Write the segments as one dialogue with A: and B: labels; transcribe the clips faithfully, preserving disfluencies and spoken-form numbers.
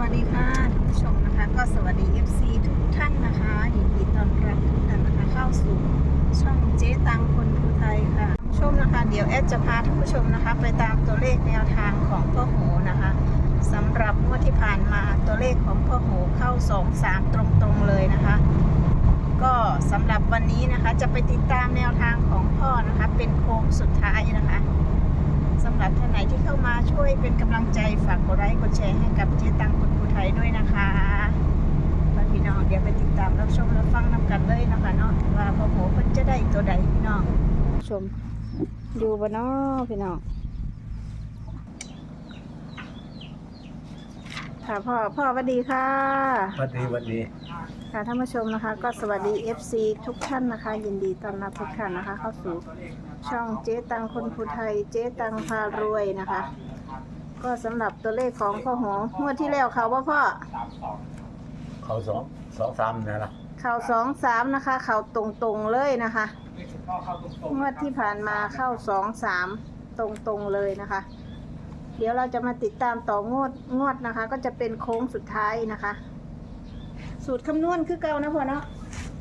A: วัสดีค่ะท่านผู้ชมนะคะก็สวัสดี เอฟ ซี ทุกท่านนะคะยินดีต้อนรับทุกท่านนะคะเข้าสู่ช่องเจ๊ตังคนภูไทยค่ะท่านผู้ชมนะคะเดี๋ยวแอดจะพาท่านผู้ชมนะคะไปตามตัวเลขแนวทางของพ่อโหนะคะสำหรับงวดที่ผ่านมาตัวเลขของพ่อโหเข้าสองสามตรงๆเลยนะคะก็สำหรับวันนี้นะคะจะไปติดตามแนวทางของพ่อนะคะเป็นโค้งสุดท้ายนะคะสำหรับท่านไหนที่เข้ามาช่วยเป็นกำลังใจฝากกดไลค์กดแชร์ให้กับเจ๊ตังคนภูไทยด้วยนะคะพี่น้องเดี๋ยวไปติดตามรับชมรับฟังนำกันเลยนะคะเนาะว่าพ่อโหเพิ่นจะได้ตัวใดพี่น้องชมอยู่บ่เนาะพี่น้องค่ะพ่อพ่อสวัสดีค่ะ
B: สวัสดีสวัสดี
A: ค่ะท่านผู้ชมนะคะก็สวัสดี เอฟ ซี ทุกท่านนะคะยินดีต้อนรับทุกท่านนะคะเข้าสู่ช่องเจ๊ตังคนภูไทยเจ๊ตังพารวยนะคะก็สำหรับตัวเลขของพ่อโหงวดที่แล้วเขาว่าพ่อ
B: เขาสองสองสามนี่ละ
A: เขาสองสามนะคะเขาตรงๆเลยนะคะงวดที่ผ่านมาเข้าสองสามตรงๆเลยนะคะเดี๋ยวเราจะมาติดตามต่องวดงวดนะคะก็จะเป็นโค้งสุดท้ายนะคะสูตรคำนวณคือเก่านะพ่อเนาะ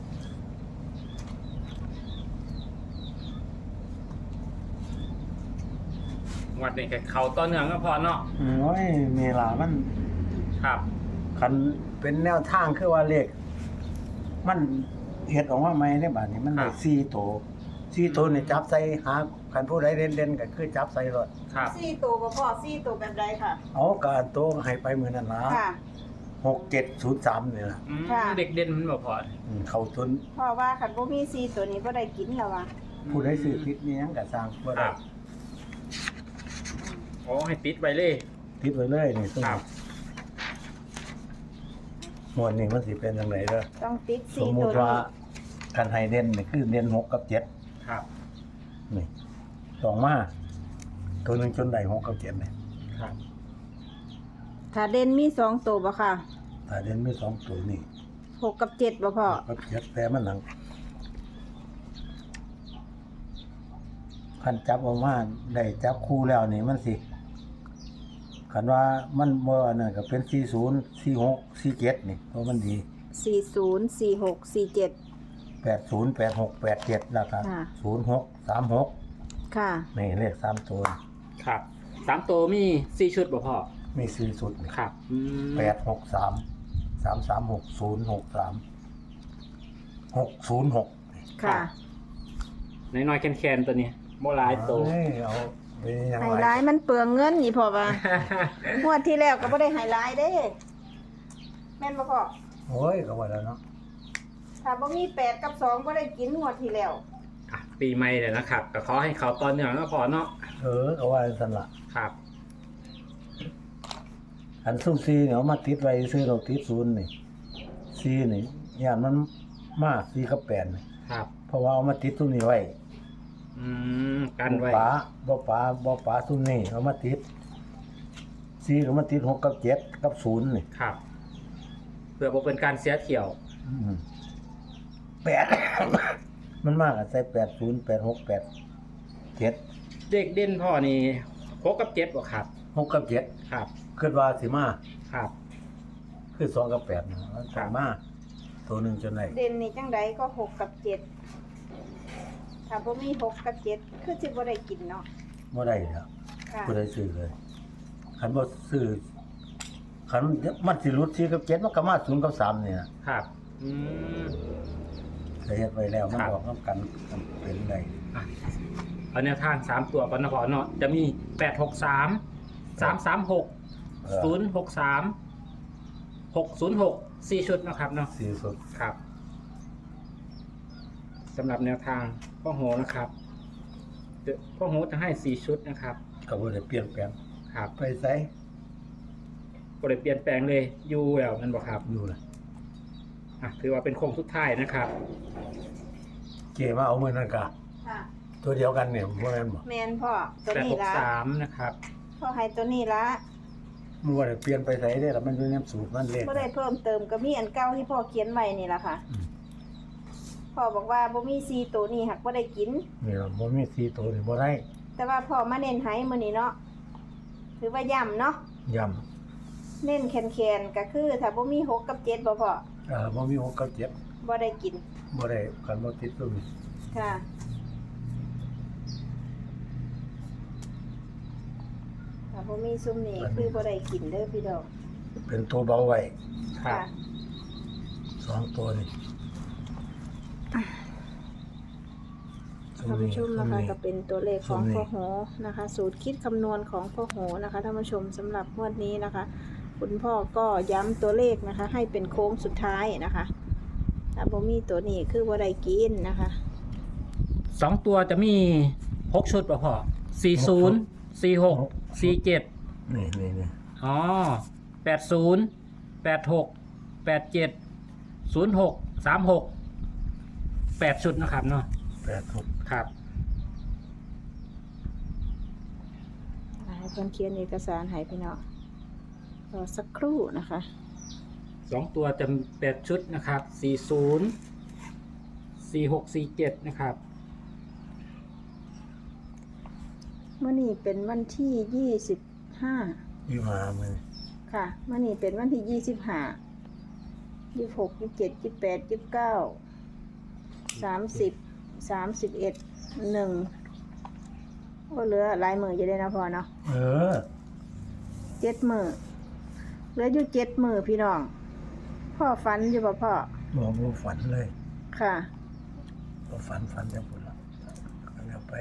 C: วัดนี่แค่เขาต้นเนืองก็พอเนาะ
B: โอ้ยเมลามัน
C: ครับ
B: คันเป็นแนวทางคือว่าเลขมันเฮ็ดออกมาใหม่ในบ้านนี้มันได้สี่โตสี่โตนี่จับใส่หาคันผู้ใดเด่นๆก็คือจับใส่รถ
C: ครับ
A: สี่ตัวพ่อสี่ตัวแบบใดค่ะ
B: เอาก็อันโตให้ไปมื้อนั้นล่ะ
A: ค่ะ
B: หกเจ็ดศูนย์สามนี่ล่ะ
C: อืม
A: ค่ะ
C: เด็กเด่นมันบ่พอ
B: อืมเข้าทุน
A: เพราะว่าขันบ่มีสี่ตัวนี้บ่ได้กินแล้วว่ะ
B: ผู้ใดซื้อผิดนี่หยังก็สร้างบ่
C: ค
B: ได้
C: รับโอ้ให้ติดไว้เลย
B: ผิดไว้เลยนี่ซึ่ง
C: ครับ
B: หมวดนี้มันสิเป็นจังไดเด้อ
A: ต้องติด
B: ส
A: สี่
B: มมุ
A: ตัว
B: ติว่า
A: นี้
B: คันให้เด่นนี่คือเด่นหกกับเจ็ด
C: ครับ
B: นี่สองมาตัวหนึงจนได้หกกับเจ็ดนี่
C: ครับ
A: ถ้าเด่นมีสองตัวบ่ค่ะ
B: ถ้าเด่นมีสองตัวนี่
A: หกกับเจ็ดบ่พ่อ
B: กับเจ็ดแต่มันหนังคันจับออกมาได้จับคู่แล้วนี่มันสิคันว่ามันบ่อันนั้นก็เป็นสี่ศูนย์สี่หกสี่เจ็ดนี่เพราะมันดี
A: สี่ศูนย์สี่หกสี่เจ็ด
B: แปดศูนย์แปดหกแปดเจ็ดแล้วก็
A: ค่ะ
B: ศูนย์หกสามหก
A: ค่ะ
B: นี่เลขสามตัว
C: ครับสามตัวมีสี่ชุดบ่พอ
B: มีสี่สุดนี่
C: ครับอืม
B: แปดหกสามสามสามหกศูนย์หกสามหกศูนย์หก
A: ค่ะ
C: น้อยๆแคนๆตัวนี้บ่หลายตัว
B: เอ้ยเอาไปยัง
A: ไฮ
B: ไง
A: ไลท์มันเปลืองเงินนี่พ่อว่างวดที่แล้วก็บ่ได้ไฮไลท์เด้แม่นบ่พ่อ
B: โอ้ยก็ว่าแล้วเนาะ
A: ถ้าบ่มีแปดกับสองบ่ได้กินงวดที่แล้ว
C: อ่ะปีใหม่เลยนะครับก็ขอให้เขาต้นเนืองก็พอเนาะ
B: เออก็ว่าสันละ
C: ครับ
B: อันซุ่มซีเนี่ยเอามาติดไว้ซื้อเราติดศูนย์นี่ซีนี่ย่านมันมาซีกับแปดนี่
C: ครับ
B: เพราะว่าเอามาติดซุ่มนี้ไว้
C: อืมกันไว้
B: ป๋าบ่ป๋าบ่ป๋าซุ่มนี้เอามาติดซีก็มาติดหกกับเจ็ดกับศูนย์นี่
C: ครับ เพื่อบ่เป็นการเสียเที่ยว
B: อืมแปด มันมากอะใส่แปดศูนย์แปดหกแปดเจ็ด
C: เด็กเด่นพ่อนี่หกกับเจ็ดบ่ครับ
B: หกกับเจ็ด
C: ครับ
B: คิดว่าสิมา
C: ครับ
B: คือสองกับแปดนะมันสามมาตัวหนึ่งจนไหน
A: เด่นนี่จังไดก็หกกับเจ็ดถ้าบ่มีหกกับเจ็ดคือสิบ่ได้กินเนาะ
B: บ่ได้แล้ว
A: ค่ะ
B: บ่ได้ซื้อเลยคันบ่ซื้อคันมันสิรุดสี่กับเจ็ดมันก็มาศูนย์กับสามนี่นะครับ
C: อืม
B: เคยเฮ็ดไว้แล้วมัน
C: ครับ
B: ออกนํกันมันเป็นไง
C: อ่ะเอาแนวทางสามตัวก่อนนะพอเนาะจะมีแปดหกสามสามสามหกศูนย์หกสามหกศูนย์หกสี่ชุดนะครับเนาะ
B: สี่สุด
C: ครับสำหรับแนวทางพ่อโหนะครับเดี๋ยวพ่อโหจะให้สี่ชุดนะครับ
B: ก็บ่ได้เปลี่ยนแปลง
C: ครับ
B: ไปไส
C: ก็เลยเปลี่ยนแปลงเลยอยูแล้วนั่นบอกครับ
B: อยู่ล่ะ
C: อ่ะถือว่าเป็นโค้งสุดท้ายนะครับ
B: เกมาเอามื้อนั้นก็
A: ค่ะ
B: ตัวเดียวกันเนี่ยบ่แม่นบ่
A: แมนพ่อตัว
C: แปด
A: นี้
C: หก
A: ละ
C: สามนะครับ
A: พ่อให้ตัวนี้ละ
B: มันบ่ได้เปลี่ยนไปไสเด้ล่ะมันอยู่ในสูตรมันเลข
A: บ่ได้เพิ่มเติมก็มีอันเก่าที่พ่อเขียนไว้นี่ละค่ะ
B: อืม
A: พ่อบอกว่าบ่มีสี่ตัวนี้หักบ่ได้กิน
B: นี่ล่ะบ่มีสี่ตัวนี่บ่ได้
A: แต่ว่าพ่อมาเน้นให้มื้อนี้เนาะถือว่าย่ำเนาะ
B: ย้
A: เน้นแคนๆก็คือถ้าบ่มีหกกับเจ็ดบ่พอ
B: เออบ่มีหกกับเจ็ด
A: บ่ได้กิน
B: บ่ได้กันบ่ติดตัวนี้
A: ค่ะถ้าบ่มีซุมนี้คือบ่ได้กินเด้อพี่ดอก
B: เป็นตัวเบาไว้
C: ครับ
B: สองตัวนี่
A: ท่านผู้ชมนะคะก็เป็นตัวเลขของพ่อโหนะคะ สูตรคิดคำนวณของพ่อโหนะคะท่านผู้ชมสำหรับงวดนี้นะคะ คุณพ่อก็ย้ำตัวเลขนะคะ ให้เป็นโค้งสุดท้ายนะคะถ้าบ่มีตัวนี้คือบ่ได้กินนะคะ
C: สองตัวจะมีหกชุดป่ะพ่อสี่ศูนย์สี่หกสี่เจ็ด
B: นี่นี่นี่
C: อ๋อแปดศูนย์แปดหกแปดเจ็ดศูนย์หกสามหกแปดชุดนะครับเนาะ
B: แปดหก
C: ครับ
A: ให้เพิ่นเขียนเอกสารให้พี่น้องรอสักครู่นะคะ
C: สองตัวจะแปดชุดนะครับสี่ศูนย์สี่หกสี่เจ็ดนะครับ
A: เมื่อนี้เป็นวันที่ยี่สิบห้า
B: ยี่มามือ
A: ค่ะเมื่อนี้เป็นวันที่ยี่สิบห้ายี่สิบหกยี่สิบเจ็ดยี่สิบแปดยี่สิบเก้าสามสิบสามสิบเอ็ดหนึ่งก็เหลือหลายมืออยู่เลยนะพ่อเนาะ
B: เออ
A: เจ็ดมือเหลืออยู่เจ็ดมือพี่น้อง พ่อฝันอยู่ป่ะพ่อ
B: บอกว่าฝันเลย
A: ค่ะ
B: ก็ฝันฝันจะพุ่นละก็แล้วไป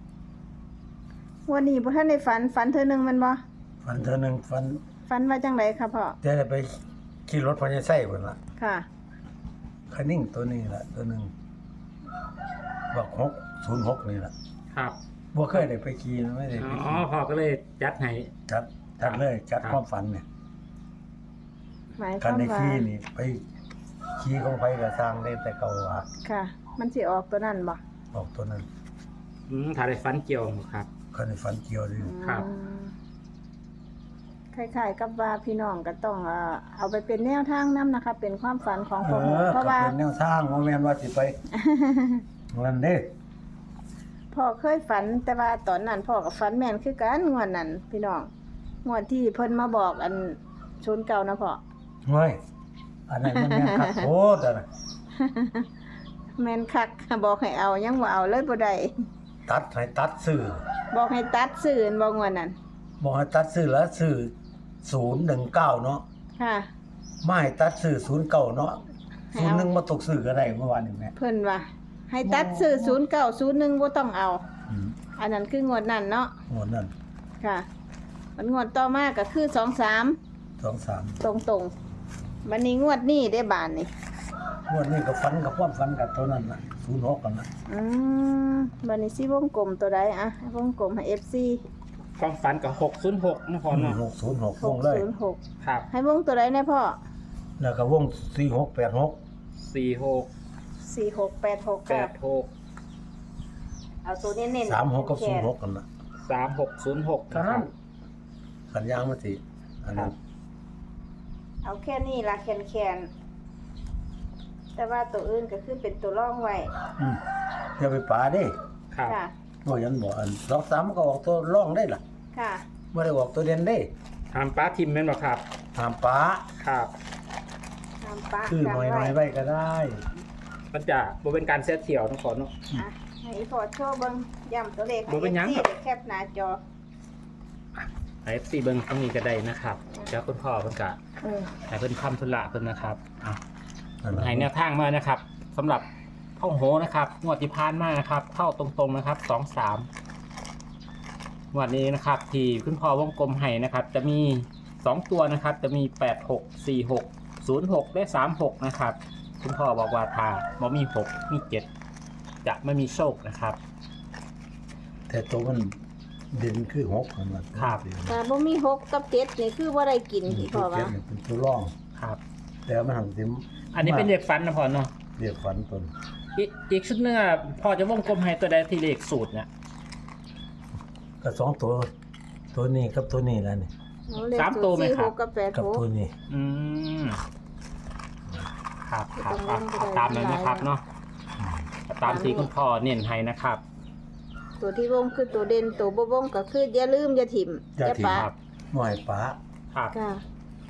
A: วันนี้พ่ท่านได้ฝันฝันเธอหนึ่งแมันบ่
B: ฝันเธอหนึ่งฝัน
A: ฝันว่าจังไรครับพ่อ
B: จะได้ไปขี่รถพญาไส้พุ่นละ
A: ค่ะ
B: คันนิ่งตัวนี้ละตัวหนึ่งบอกหกศูนย์หกนี่ละ
C: ครับ
B: บ่เคยได้ไปขี่นะไม่ได้ไป
C: อ๋อ
B: ขี่
C: พ่อก็เลยจัดให้
B: จัดจัดเลยจัด
C: ครับ
B: ความฝันเนี่ย
A: หมายค
B: การ
A: วาม
B: ใน
A: ว่า
B: ขี่นี่ไปขี่ของไปกับสร้างได้แต่เก่าว่า
A: ค่ะ มันสิออกตัวนั้นบ่
B: บอกตัวนั้น
C: อืมถ่ายได้ฟันเกี่ยวครับ
B: คันในฝันเกี่ยวเลย
C: ครับ
A: อืมคล้ายๆกับว่าพี่น้องก็ต้องเอ่อเอาไปเป็นแนวทางนํนะคะ เป็นความฝันของ
B: เอ
A: พ่อโห
B: อ
A: เพราะ
B: ก็
A: ว่า
B: เป็นแนวทางบ่แม่นว่าสิไปนั่นเด้
A: พ่อเคยฝันแต่ว่าตอนนั้นพ่อกับฝันแม่นคือกันงวดนั้นพี่น้องงวดที่เพิ่นมาบอกอันชุนเก่านะพ่อ
B: เฮ้ยอันนั้นมันแม่นคักโคตรอะนะ
A: แม่นคักบอกให้เอายังบ่เอาเลยบ่ได้
B: ตัดให้ตัดซื้อ
A: บอกให้ตัดซื้ออันบ่งวดนั้น
B: บอกให้ตัดซื้อแล้วซื้อศูนย์หนึ่งเก้าเนาะ
A: ค่ะ
B: ไม่ให้ตัดซื้อศูนย์เก้าเนาะ
A: ให้
B: ศูน
A: เอา
B: ย์หนึ่งมาตกซื้อก็ได้เมื่อวานนี้แม่
A: เพิ่นว่าให้ตัดซื้อศูนย์เก้าศูนย์หนึ่งบ่ต้องเอา
B: อืม
A: อันนั้นคืองวดนั้นเนาะ
B: งวดนั้น
A: ค่ะมันงวดต่อมาก็คือสองสาม
B: สองสาม
A: ตรงตรงๆวันนี้งวดนี้ได้บานนี่
B: งวดนี้ก็ฝันกับความฝันกับตัวนั้นน่ะศูนย์หกกันน่ะ
A: อืมวันนี้สิวงกลมตัวใดอะวงกลมให้ เอฟ ซี
C: ความฝันกับหกศูนย์หกนะพ่อเนาะ
B: หกศูนย์หก
A: ห
B: ว
A: ก
B: งเลย
A: ศูนย์หก
C: ครับ
A: ให้วงตัวใดแน่พ่อ
B: แล้วก็วงสี่หกแปดหก
C: สี่หก
A: สี่หกแปดหก
C: แป
A: ค่ะ
C: ดหก
A: เอาตัวเน้นๆ
B: สามหกกับศูนย์หกกันน่ะ
C: สามหกศูนย์หก
B: เท่านั้นสัญญาณมาสิอันนั้น
A: เอาแค่นี้ละแคนแคนๆแต่ว่าตัวอื่นก็คือเป็นตัวร่องไว้
B: อืมอย่าไปป่าเด้
C: ครับ
A: ค่ะ
B: บ่ยันบ่อันสองสามก็ออกตัวร่องได้ล่ะ
A: ค่ะ
B: บ่ได้ออกตัวเด่นได้
C: ทำป้าทิมแม่นบ่ครับ
B: ห้ามป่า
C: ครับ
A: ตามปะ
B: คือ
A: กัน
B: หน่อย
A: ไว้
B: ๆไว้ก็ได้
C: มันจะบ่เป็นการเสียเที่ยวนะพ่อเนาะ
A: อ่ะให้พอโชว์เบิ่งย้ำตัวเลขให้
C: บ่เป็นหยัง
A: เอฟซีได้แคปหน้าจอ
C: ไอ้สี่เบิ้งตรงนี้ก็ได้นะครับเดี๋ยวคุณพ่อเพิ่นกะ
A: เออ
C: ให้เพิ่นทำธุระเพิ่นนะครับอ่ะ
B: นั่นล่ะ
C: ให้แนวทางมานะครับสำหรับเข้าโหนะครับงวดที่ผ่านมานะครับ เข้าตรงๆนะครับสองสามงวดนี้นะครับ ที่คุณพ่อวงกลมให้นะครับ จะมีสองตัวนะครับ จะมีแปดหกสี่หกศูนย์หกและสามหกนะครับ คุณพ่อบอกว่าถ้าบ่มีหกมีเจ็ดจะไม่มีโชคนะครับ
B: แต่ตัวมันเด่นคือหกนั่นล่ะ
C: ครับ
A: แต่บ่มีหกกับเจ็ดนี่คือบ่ได้กิน
B: อืม
A: ที่
B: ตั
A: พ่
B: ว
A: อ
B: เจ็
A: ว่า
B: ดนี่เป็นตัวร่อง
C: ครับ
B: แต่มันหันสิ
C: อันนี้เป็นเลขฟันนะพ่อเนาะ
B: เรียกฝันตน
C: อีกอีกชุดหนึงอ่ะพ่อจะวงกลมให้ตัวใดที่เลขสูตรเนี่ย
B: ก็สองตัว ตัวนี้กับตัวนี้แล้วนี่
A: เอาเลข
C: สามตัวไหมครับ
A: สี่หกกับแปด
B: กับ
A: หก
B: ตัวนี้
C: อืมครับครับ
A: ตร
C: อ่ะ
A: งนั้นก็
C: เอา
A: ได้
C: ตามนั้นนะครับเนาะเอาตามที่คุณพ่อเน้นให้นะครับ
A: ตัวที่วงคือตัวเด่นตัวบ่วงก็คืออย่าลืมอย่าถิ่ม
B: อย่าถิ่ม
A: ปะ
C: ครับ
B: หน่อยป้า
C: ครับ
A: ค่ะ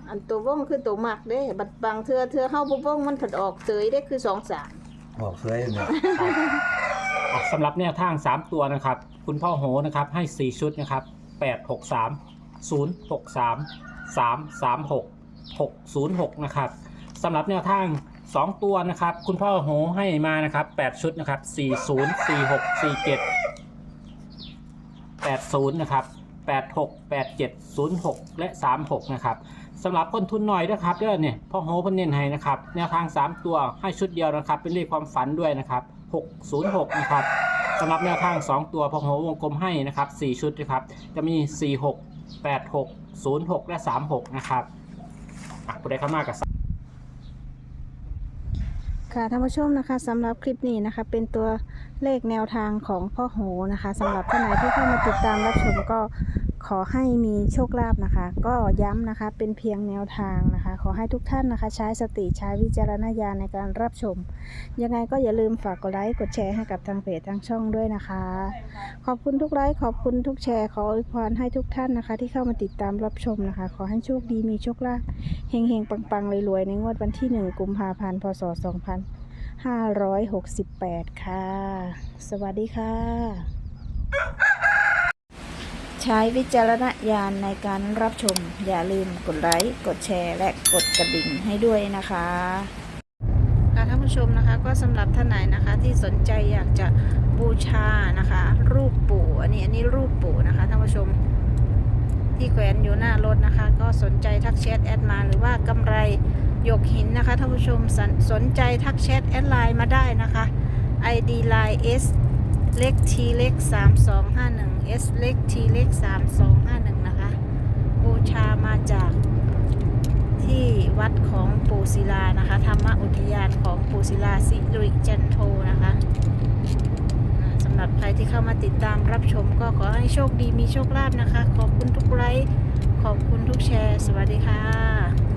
A: อันตัววงคือตัวมักเด้บัดบางเทื่อเทื่อเฮาบ่วงมันผัดออกเสยได้คือสองสาม
B: บอกสวยเนี่ย
C: อ่ะสำหรับแนวทางสามตัวนะครับ คุณพ่อโหนะครับให้สี่ชุดนะครับแปด หก สาม ศูนย์ หก สาม สาม สาม หก หก ศูนย์ หกนะครับสำหรับแนวทางสองตัวนะครับ คุณพ่อโหให้มานะครับแปดชุดนะครับสี่ศูนย์ สี่ หก สี่ เจ็ด แปดศูนย์นะครับแปด หก แปด เจ็ด ศูนย์ หก และสามหกนะครับสำหรับคนทุนหน่อยนะครับเด้อเนี่ยพ่อโหเพิ่นเน้นให้นะครับแนวทางสามตัวให้ชุดเดียวนะครับเป็นเลขความฝันด้วยนะครับหก ศูนย์ หกนะครับสำหรับแนวทางสองตัวพ่อโหวงกลมให้นะครับสี่ชุดนะครับจะมีสี่ หก แปด หก ศูนย์ หก และสามหกนะครับอ่ะผู้ใดเข้ามากับ
A: ค่ะท่านผู้ชมนะคะสำหรับคลิปนี้นะคะเป็นตัวเลขแนวทางของพ่อโหนะคะสำหรับท่านไหนที่เข้ามาติดตามรับชมก็ขอให้มีโชคลาภนะคะ ก็ย้ำนะคะเป็นเพียงแนวทางนะคะ ขอให้ทุกท่านนะคะ ใช้สติใช้วิจารณญาณในการรับชม ยังไงก็อย่าลืมฝากกดไลค์กดแชร์ให้กับทางเพจทางช่องด้วยนะคะ ขอบคุณทุกไลค์ขอบคุณทุกแชร์ขออวยพรให้ทุกท่านนะคะ ที่เข้ามาติดตามรับชมนะคะ ขอให้โชคดีมีโชคลาภเฮงเฮงๆปังๆรวยๆในงวดวันที่หนึ่งกุมภาพันธ์พศสองพันห้าร้อยหกสิบแปดค่ะ สวัสดีค่ะ ใช้วิจารณญาณในการรับชม อย่าลืมกดไลค์กดแชร์และกดกระดิ่งให้ด้วยนะคะค่ะท่านผู้ชมนะคะก็สำหรับท่านไหนนะคะที่สนใจอยากจะบูชานะคะ รูปปู่อันนี้อันนี้รูปปู่นะคะท่านผู้ชมที่แขวนอยู่หน้ารถนะคะ ก็สนใจทักแชทแอดมาหรือว่ากำไรหยกหินนะคะท่านผู้ชมสนสนใจทักแชทแอดไลน์มาได้นะคะ ไอ ดี ไลน์ S เล็ก T เล็กสามสองห้าหนึ่ง S เล็ก T เล็กสามสองห้าหนึ่งนะคะบูชามาจากที่วัดของปู่ศิลานะคะธรรมอุทยานของปู่ศิลาสิริจันโทนะคะอ่าสำหรับใครที่เข้ามาติดตามรับชมก็ขอให้โชคดีมีโชคลาภนะคะ ขอบคุณทุกไลค์ขอบคุณทุกแชร์ สวัสดีค่ะ